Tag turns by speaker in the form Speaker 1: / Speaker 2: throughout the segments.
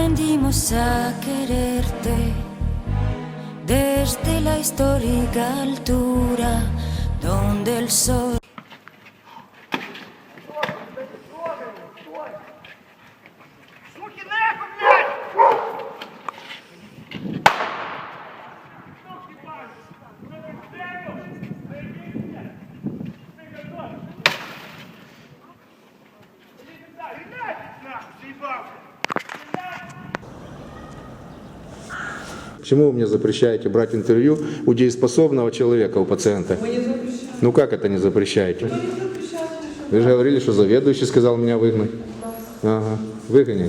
Speaker 1: aprendimos a quererte desde la histórica altura donde el sol...
Speaker 2: Почему вы мне запрещаете брать интервью у дееспособного человека, у пациента?
Speaker 3: Мы не запрещаем.
Speaker 2: Ну как это не запрещаете?
Speaker 3: Мы не запрещаем.
Speaker 2: Вы же говорили, что заведующий сказал меня выгнать. Ага, выгони.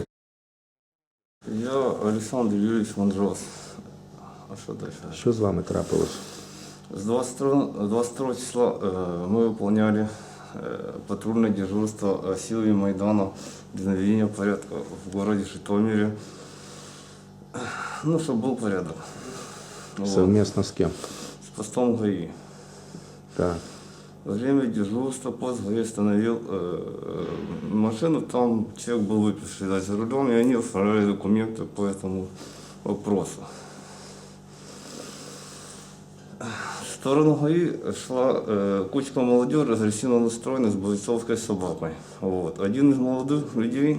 Speaker 4: Я Олександр Юрійович Мандрос. А що далі?
Speaker 2: Що з вами трапилось?
Speaker 4: С 22 числа мы выполняли патрульное дежурство силами Майдана для наведения порядка в городе Житомире. Ну, чтобы был порядок.
Speaker 2: Совместно с кем?
Speaker 4: С постом ГАИ.
Speaker 2: Так.
Speaker 4: Во время дежурства пост ГАИ остановил машину, там человек был выпивший за рулем, и они оформляли документы по этому вопросу. В сторону ГАИ шла кучка молодежи, агрессивно настроенных, с бойцовской собакой. Вот. Один из молодых людей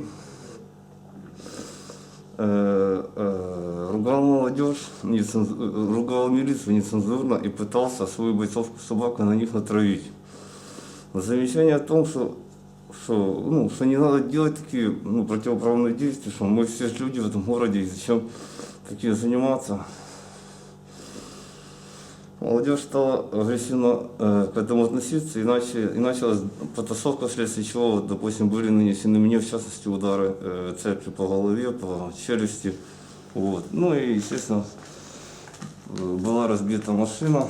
Speaker 4: ругал молодежь, ругал милицию нецензурно и пытался свою бойцовскую собаку на них натравить. Замечание о том, что не надо делать такие противоправные действия, что мы все люди в этом городе, и зачем такие заниматься. Молодежь стала агрессивно к этому относиться, и началась потасовка, вследствие чего, допустим, были нанесены мне, в частности, удары цепью по голове, по челюсти. Вот. Ну и, естественно, была разбита машина.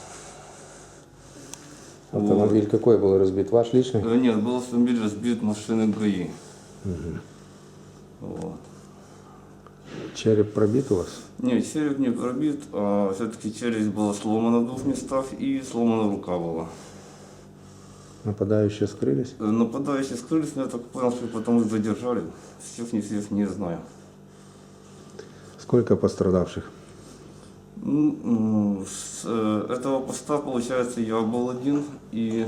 Speaker 2: Автомобиль вот. Какой был разбит? Ваш личный?
Speaker 4: Нет, был автомобиль разбит машиной ГАИ.
Speaker 2: Угу.
Speaker 4: Вот.
Speaker 2: Череп пробит у вас?
Speaker 4: Нет, череп не пробит, а все-таки челюсть была сломана в двух местах и сломана рука была.
Speaker 2: Нападающие скрылись?
Speaker 4: Нападающие скрылись, но я так понял, что потом их задержали. Всех не знаю.
Speaker 2: Сколько пострадавших?
Speaker 4: С этого поста, получается, я был один, и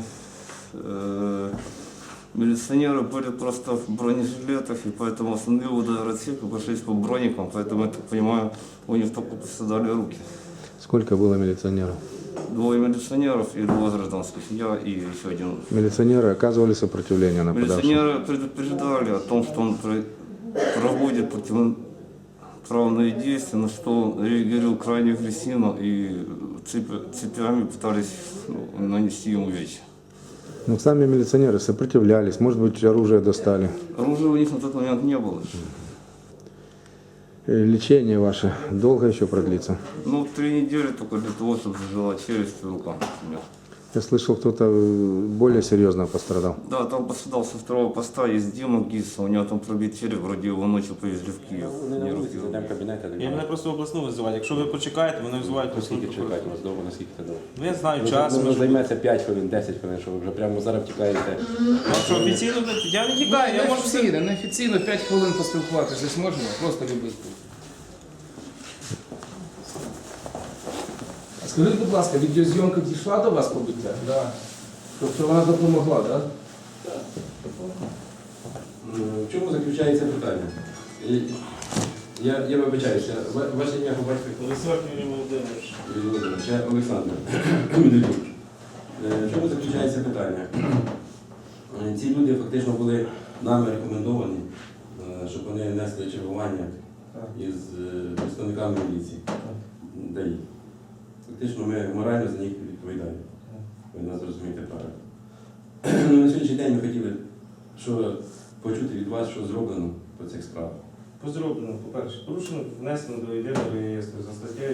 Speaker 4: милиционеры были просто в бронежилетах, и поэтому остановил удар-отсек и пошлись по броникам, поэтому, я так понимаю, у них только пострадали руки.
Speaker 2: Сколько было милиционеров?
Speaker 4: 2 милиционеров и 2 гражданских, я и еще один.
Speaker 2: Милиционеры оказывали сопротивление нападавшим?
Speaker 4: Милиционеры предупреждали о том, что он проводит противоправные действия, на что он реагировал крайне агрессивно и цепями пытались нанести ему увечья.
Speaker 2: Ну, сами милиционеры сопротивлялись, может быть, оружие достали.
Speaker 4: Оружия у них на тот момент не было.
Speaker 2: Лечение ваше долго еще продлится?
Speaker 4: 3 недели только для того, чтобы зажила челюсть и рука.
Speaker 2: Я слышал, кто-то более серьезно пострадал.
Speaker 4: Да, там пострадал со 2-го поста, есть Дима Гиса, у него там пробит череп, вроде его ночью повезли в Київ.
Speaker 5: Я мене просто в обласну визивають. Якщо ви почекаєте, вони визивають
Speaker 6: Наскільки чекати вас довго, наскільки це довго?
Speaker 5: Ну я знаю час.
Speaker 6: Ну, займеться 5 хвилин, 10 хвилин, що ви вже прямо зараз втікаєте.
Speaker 5: Якщо офіційно, я не тікаю, я можу все.
Speaker 7: Неофіційно 5 хвилин поспілкуватися зможемо, просто любити. Скажіть, будь ласка, відеозйомка дійшла до вас побиття? Так. Тобто вона допомогла, так?
Speaker 6: В чому заключається питання? Я вибачаюся, ваше ім'я по батькові?
Speaker 5: Олександр Юрій Володимирович.
Speaker 6: Я Олександр. В чому заключається питання? Ці люди фактично були нами рекомендовані, щоб вони несли чергування із представниками міліції. ДАІ. Фактично ми морально за них відповідаємо. Ви нас розумієте правильно. На сьогоднішній день ми хотіли почути від вас, що зроблено по цих справах.
Speaker 5: Зроблено, по-перше, порушено, внесено до єдиного реєстру за статтею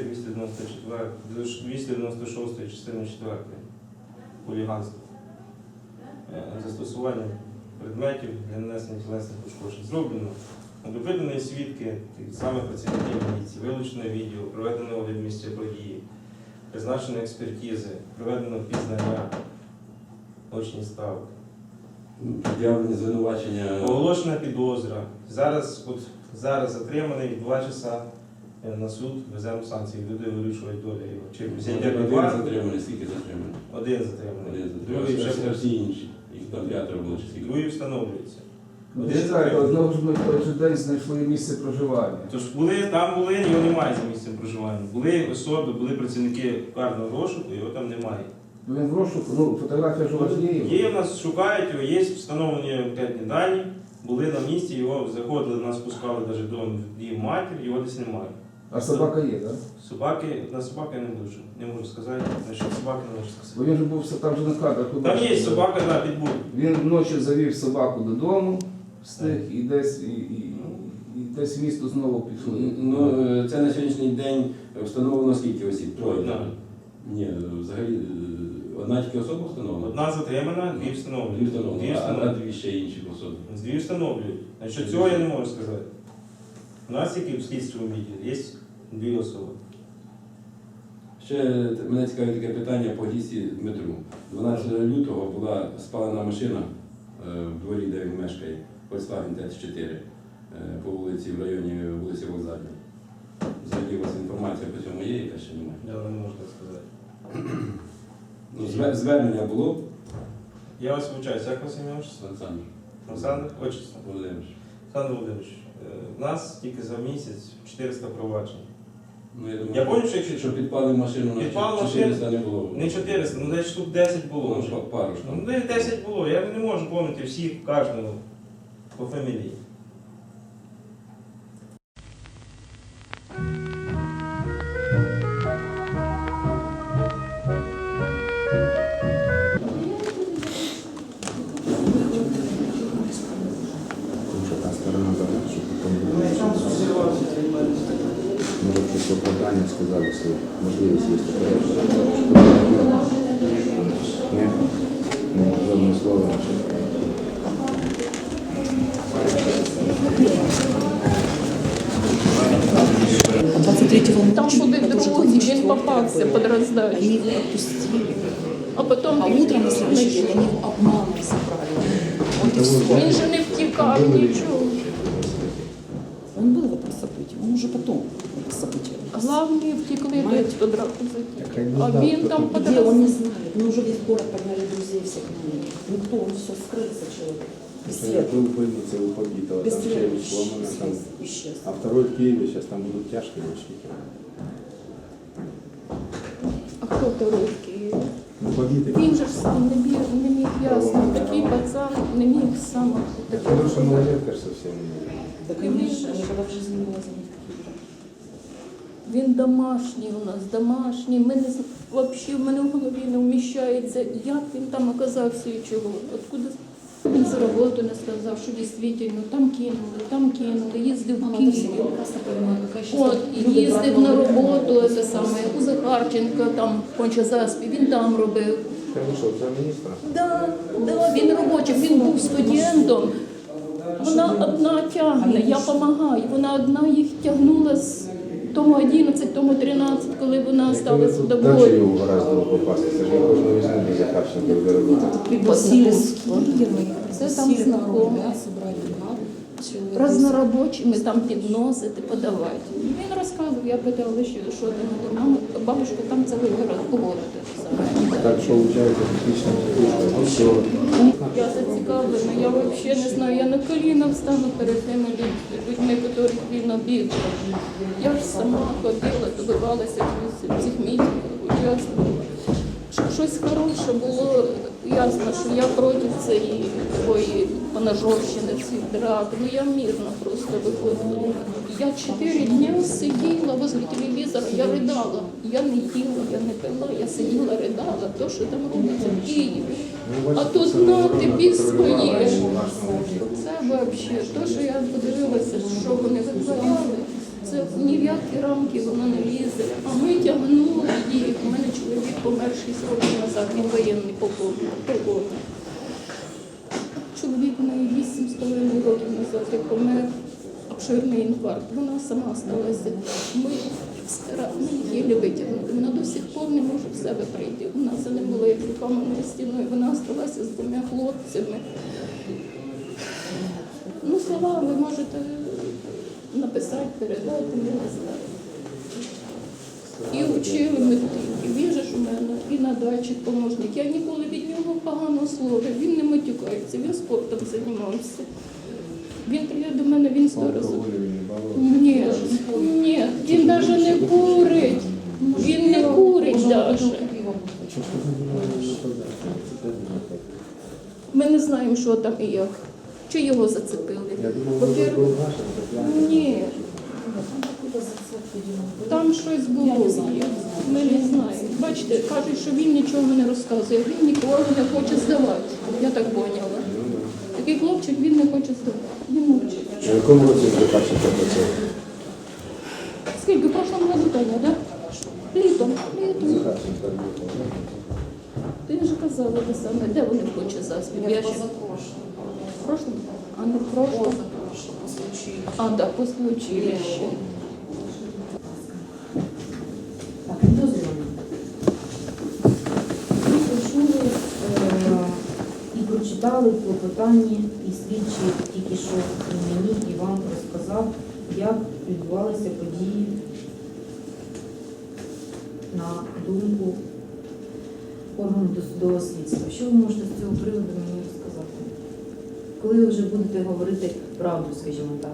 Speaker 5: 296 частини 4 хуліганство. Застосування предметів для нанесення тілесних пошкоджень. Зроблено. Допитані свідки, саме працівників міліції, вилучено відео, проведено огляд місця події, призначено експертизи, проведено пізнання, очні ставки.
Speaker 6: Пред'явлені звинувачення.
Speaker 5: Оголошена підозра. Зараз от Зараз затриманий 2 часа на суд, веземо санкції, люди вирішують долю його. Чи взяття
Speaker 6: Один
Speaker 5: під варту,
Speaker 6: затриманий, скільки затриманий?
Speaker 5: один затриманий,
Speaker 6: Один
Speaker 5: другий
Speaker 6: затриманий.
Speaker 5: вже
Speaker 6: Всі інші. Їх там 5 було чи скільки?
Speaker 5: другий встановлюється.
Speaker 7: Ви
Speaker 5: Один
Speaker 7: читаєте,
Speaker 5: затриманий.
Speaker 7: знову ж ми в той же день знайшли місце проживання.
Speaker 5: Тож там були, його немає за місцем проживання. Були особи, були працівники карного розшуку, його там немає.
Speaker 7: Він в розшуку, ну фотографія ж у вас є.
Speaker 5: Є в нас, шукають його, є встановлені анкетні дані, були на місці, його заходили, нас пускали навіть до її матір, його десь немає.
Speaker 7: А собака є, так?
Speaker 5: Собаки, на собаки не можу сказати, насчет собаки не можу
Speaker 7: Бо
Speaker 5: сказати.
Speaker 7: він же був там же на кадрах. ви
Speaker 5: Там є
Speaker 7: бачите,
Speaker 5: собака, да, підбуль.
Speaker 7: Він вночі завів собаку додому, встиг і десь десь в місто знову пішли.
Speaker 6: Ну, це на сьогоднішній день встановлено скільки осіб? Троє.
Speaker 5: Одна.
Speaker 6: так? Ні, взагалі одна тільки особа встановлена?
Speaker 5: Одна затримана, дві
Speaker 6: Дві
Speaker 5: встановлюють.
Speaker 6: встановлено,
Speaker 5: Дві
Speaker 6: а
Speaker 5: встановлюють.
Speaker 6: дві ще інші особи.
Speaker 5: Дві встановлюють. Значить, цього я не можу сказати. У нас тільки в слідчому відділі є дві особи.
Speaker 6: Ще мене цікавить таке питання по Гісі Дмитру. 12 лютого була спалена машина в дворі, де він мешкає, Volkswagen Т4 по вулиці, в районі вулиці Вокзальної. Взагалі у вас інформація по цьому є, яка ще немає?
Speaker 5: Я не можу так сказати.
Speaker 6: Ну, звернення було,
Speaker 5: Я вас вибачаюсь, як вас ім'я?
Speaker 6: Олександр
Speaker 5: Олександр? Отчество.
Speaker 6: Володимирович.
Speaker 5: Олександр Володимирович, у нас тільки за місяць 400 проваджень.
Speaker 6: Ну, я думаю,
Speaker 5: Я пам'ятаю, що якщо
Speaker 6: що підпалив машину на
Speaker 5: Підпалив
Speaker 6: 400 не було.
Speaker 5: не 400, ну десь штук 10 було вже.
Speaker 6: Ну, пару ж
Speaker 5: Ну,
Speaker 6: там.
Speaker 5: десь 10 було, я не можу пам'ятати всіх, кожного по фамілії.
Speaker 2: Тому що та сторона дала, щоб потім може щось оправдання сказали, що можливість є таке. Ні? Ну, жодне слово.
Speaker 3: Там були друзі, він попався під роздачу.
Speaker 8: Они его отпустили.
Speaker 3: А потім
Speaker 8: А утром на следующий день они его обманом забрали. Вот и все.
Speaker 3: він же не втікав нічого.
Speaker 8: Он был в этом событии, он уже потом в это событие.
Speaker 3: Главні втекли до драку затік. А він там під
Speaker 8: Где, он
Speaker 3: роздачу.
Speaker 8: не знает. Мы уже весь город погнали друзей всех на них. Никто, он все скрылся человек. Бесследно.
Speaker 9: Был в больнице у побитого, там
Speaker 8: Бесследно
Speaker 9: челюсть сломана, там,
Speaker 8: исчез.
Speaker 9: а второй в Киеве, сейчас там будут тяжкие мучники.
Speaker 3: А хто второй в Києві?
Speaker 9: Ну, побитый.
Speaker 3: Він же ж сам не міг ясно. Такий пацан не міг сам.
Speaker 9: Хорошая малолетка ж совсем не.
Speaker 8: Да, конечно, никогда в жизни не было за них таких.
Speaker 3: Він домашній у нас, домашній. Ми не взагалі в мене в голові не вміщається, як він там оказався і чого. Откуда він з роботи не сказав, що дійсно там кинули, їздив в
Speaker 8: Мама, это все
Speaker 3: Київ.
Speaker 8: прекрасно понимаю, какая сейчас
Speaker 3: От, і їздив на роботу, це саме, у Захарченка, там, в Кончазаспі, він там робив.
Speaker 2: Ти вийшов за міністра?
Speaker 3: Да, він робочий, він був студентом. Вона одна тягне, я допомагаю. Вона одна їх тягнула з тому 11, тому 13, коли вона стала
Speaker 2: Дачу
Speaker 3: судовою.
Speaker 2: його гораздо попасти, це ж я кожного візьму до Захарченка в дорогу.
Speaker 8: пригласили с Киева, их
Speaker 3: Це там
Speaker 8: пригласили на
Speaker 3: знакомі.
Speaker 8: рубля, собрали бригаду. Человек
Speaker 3: Разнорабочими там підносити, подавати. Він розказував, я питала, що ти на мама, бабушка, там цілий город погодити.
Speaker 2: Так що виходить, фактично, все.
Speaker 3: Я зацікавлена, я взагалі не знаю, я на коліна встану перед тими людьми, яких він обідав. Я ж сама ходила, добивалася в цих мітингах, участвувала. Щоб щось хороше було, ясно, що я проти цієї такої поножовщини, цих драк. Ну я мирно просто виходила. Я 4 дні сиділа возле телевізора, я ридала. Я не їла, я не пила, я сиділа, ридала, то, що там робиться в Києві. А тут на тобі своє. Це взагалі, то, що я подивилася, що вони витворяли, це ні в які рамки воно не лізе. А ми тягнули їх. У мене чоловік помер 6 років назад, він воєнний полковник. Чоловік у неї 8,5 років назад як помер, обширний інфаркт. Вона сама сталася. Ми її єлі витягнули. Вона до сих пор не може в себе прийти. Вона за ним була як каменною стіною. Вона сталася з 2 хлопцями. Ну, слова ви можете написати, передати, не знаю. І вчили метрики. Він же ж у мене і надальчик помощник. Я ніколи від нього поганого слова. Він не матюкається, він спортом займався. Він приїде до мене, він 100 разів.
Speaker 9: Алкоголь він не балував.
Speaker 3: Ні, ні, він навіть не курить. Він не курить навіть. Ми не знаємо, що там і як. Чи його зацепили.
Speaker 9: Я думав, ви
Speaker 3: По-перше,
Speaker 9: був вашим,
Speaker 3: ні, там щось було. Ми не знаємо. Бачите, кажуть, що він нічого не розказує. Він ніколи не хоче здавати. Я так поняла. Такий хлопчик, він не хоче здавати. Він мовчить.
Speaker 9: В якому році ви бачите працювати?
Speaker 3: Скільки в прошлому году, Таня, так? Літом. Літом.
Speaker 9: Захарченко був, так?
Speaker 3: Ти ж казала те саме, де вони хочуть заспів? Я ще... В прошлому? А не в прошлому? А, так, після училища.
Speaker 8: Так, підозрюваний. Ви почули і прочитали в клопотанні, і слідчий тільки що і мені, і вам розказав, як відбувалися події на думку органу досудового слідства. Що ви можете з цього приводу мені розказати? Коли ви вже будете говорити правду, скажімо так?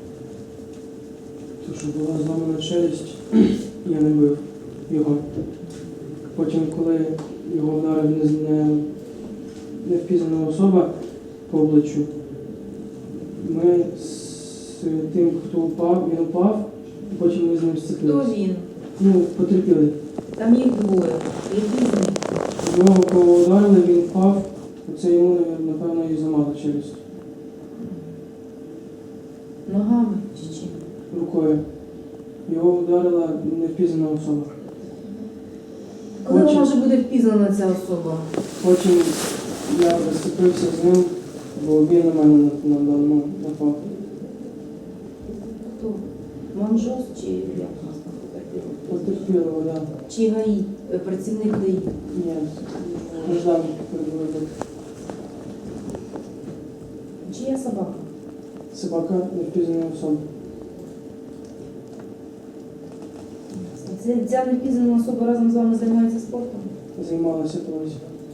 Speaker 10: То, що була зламана челюсть, я не бив його. Потім, коли його вдарив невпізнана особа по обличчю, ми з тим, хто упав, він упав, і потім ми з ним
Speaker 8: Хто
Speaker 10: зцепилися.
Speaker 8: він?
Speaker 10: Ну, потерпіли.
Speaker 8: Там їх двоє. Який з них?
Speaker 10: Його кого ударили, він впав, оце йому, напевно, і зламали челюсть
Speaker 8: Ногами чи чим?
Speaker 10: рукою. Його ударила невпізнана особа.
Speaker 8: Коли вона вже буде впізнана ця особа?
Speaker 10: Потім я зацепився з ним, бо він на мене напав.
Speaker 8: Хто? Манжос чи як нас там потерпіло?
Speaker 10: Потерпіло, да.
Speaker 8: Чи ГАІ? Працівник ГАІ?
Speaker 10: Ні, граждан перебував.
Speaker 8: Чия собака?
Speaker 10: Собака невпізнана особа.
Speaker 8: Ця невпізнана особа разом з вами займається спортом?
Speaker 10: Займалася колись.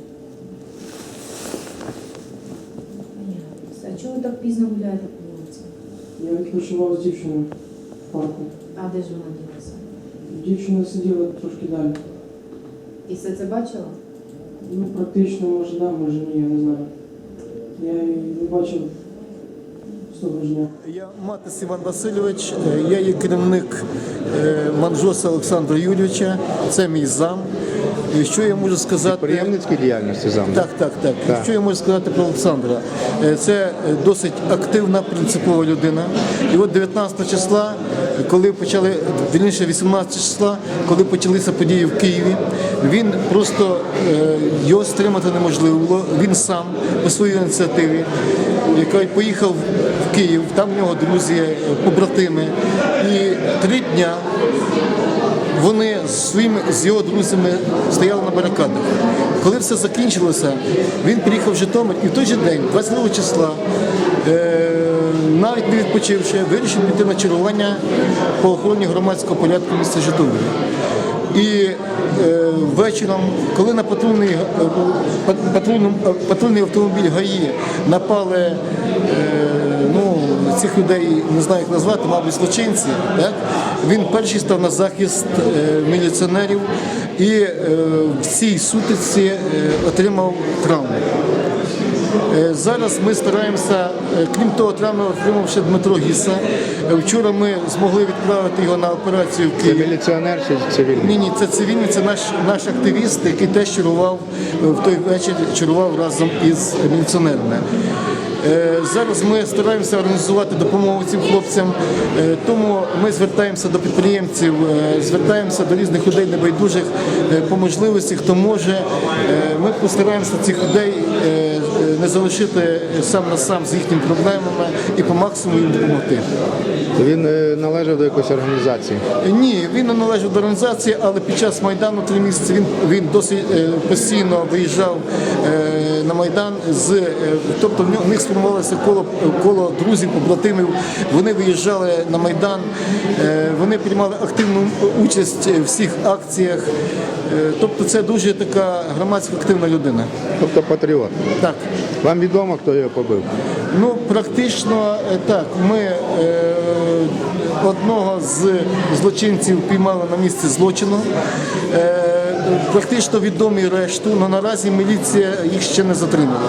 Speaker 8: А чого ви так пізно гуляєте по вулиці?
Speaker 10: Я відпочивав з дівчиною в парку.
Speaker 8: А де ж вона ділася?
Speaker 10: Дівчина сиділа трошки далі.
Speaker 8: І все це бачила?
Speaker 10: Ну, практично, може да, може ні, я не знаю. Я її не бачив з того ж дня.
Speaker 11: Я Матис Іван Васильович, я є керівник Манжоса Олександра Юрійовича, це мій зам. І що я можу сказати?
Speaker 2: Підприємницькій діяльності зам?
Speaker 11: Так. Що я можу сказати про Олександра? Це досить активна, принципова людина. І от 19 числа, коли почали, вірніше 18 числа, коли почалися події в Києві, він просто, його стримати неможливо було. Він сам по своїй ініціативі, який поїхав в Київ, там в нього друзі, побратими. І 3 дня вони з його друзями стояли на барикадах. Коли все закінчилося, він приїхав в Житомир і в той же день, 22 числа, навіть не відпочивши, вирішив піти на чергування по охороні громадського порядку міста Житомира. І вечором, коли на патрульний автомобіль ГАІ напали цих людей, не знаю, як назвати, мабуть, злочинці, так? Він перший став на захист міліціонерів і в цій сутичці отримав травму. Зараз ми стараємося, крім того, травми отримавши Дмитро Гіса. Вчора ми змогли відправити його на операцію в Київ.
Speaker 2: Це міліціонер чи цивільний?
Speaker 11: Ні, це цивільний, це наш активіст, який теж чарував в той вечір, чарував разом із міліціонерами. Зараз ми стараємося організувати допомогу цим хлопцям, тому ми звертаємося до підприємців, звертаємося до різних людей небайдужих по можливості, хто може. Ми постараємося цих людей не залишити сам на сам з їхніми проблемами і по максимуму їм допомогти.
Speaker 2: Він належав до якоїсь організації?
Speaker 11: Ні, він не належав до організації, але під час Майдану 3 місяці він досить постійно виїжджав на Майдан. Тобто в них сформувалося коло друзів, побратимів. Вони виїжджали на Майдан, вони приймали активну участь в всіх акціях. Тобто це дуже така громадська активна людина.
Speaker 2: Тобто патріот?
Speaker 11: Так.
Speaker 2: Вам відомо, хто його побив?
Speaker 11: Ну, практично так. Ми одного з злочинців піймали на місці злочину. Практично відомі решту, але наразі міліція їх ще не затримала.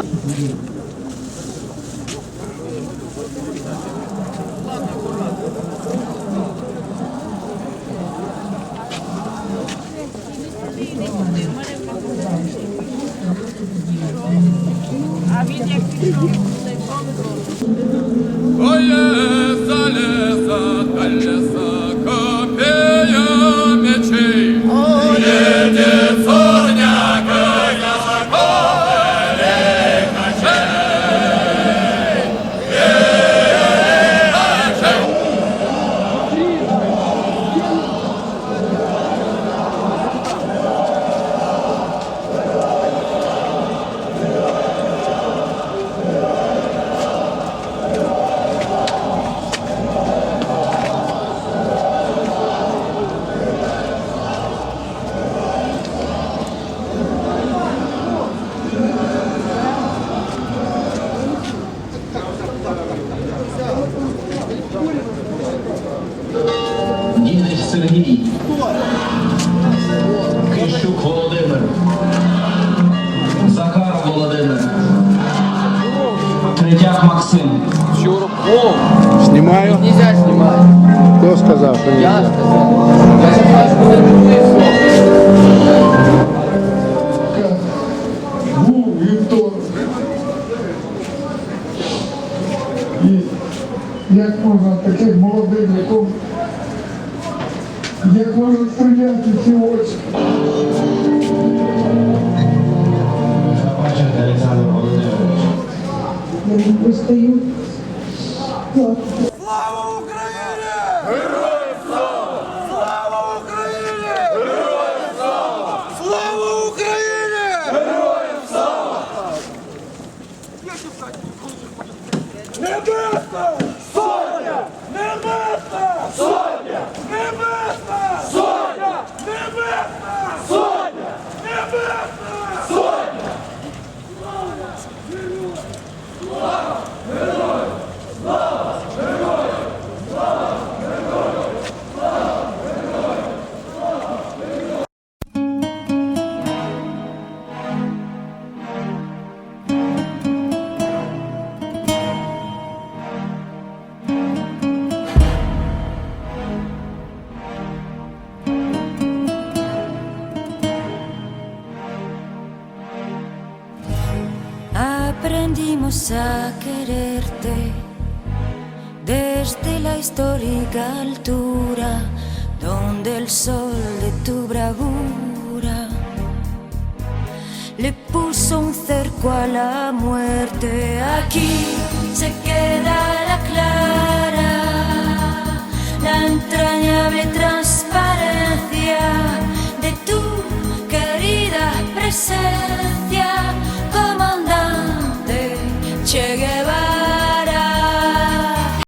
Speaker 12: Дідич Сергій, Кищук Володимир, Захаров Володимир, Третяк Максим.
Speaker 2: Знімаю?
Speaker 10: Нельзя снимать.
Speaker 2: Хто сказав, що ні?
Speaker 10: Я сказал. Я сейчас
Speaker 13: Був вівторок. І як можна таким молодим, як можна стріляти ці очі?
Speaker 12: Бачите, Олександр Володимирович.
Speaker 13: Я не постаю.
Speaker 12: Слава Україні! Героям слава! Слава Україні! Героям слава! Слава Україні! Героям слава! Небесна Сотня! Небесна Сотня! Небесна Сотня! Небесна Сотня! Небесна Сотня! Слава! Героям! Слава! Героям! Слава! Героям! Слава! Героям! Слава! Героям!
Speaker 1: Aprendimos a quererte desde la histórica altura donde el sol de tu bravura le puso un cerco a la muerte. Aquí se queda la clara, la entrañable transparencia de tu querida presencia, comandante Che Guevara.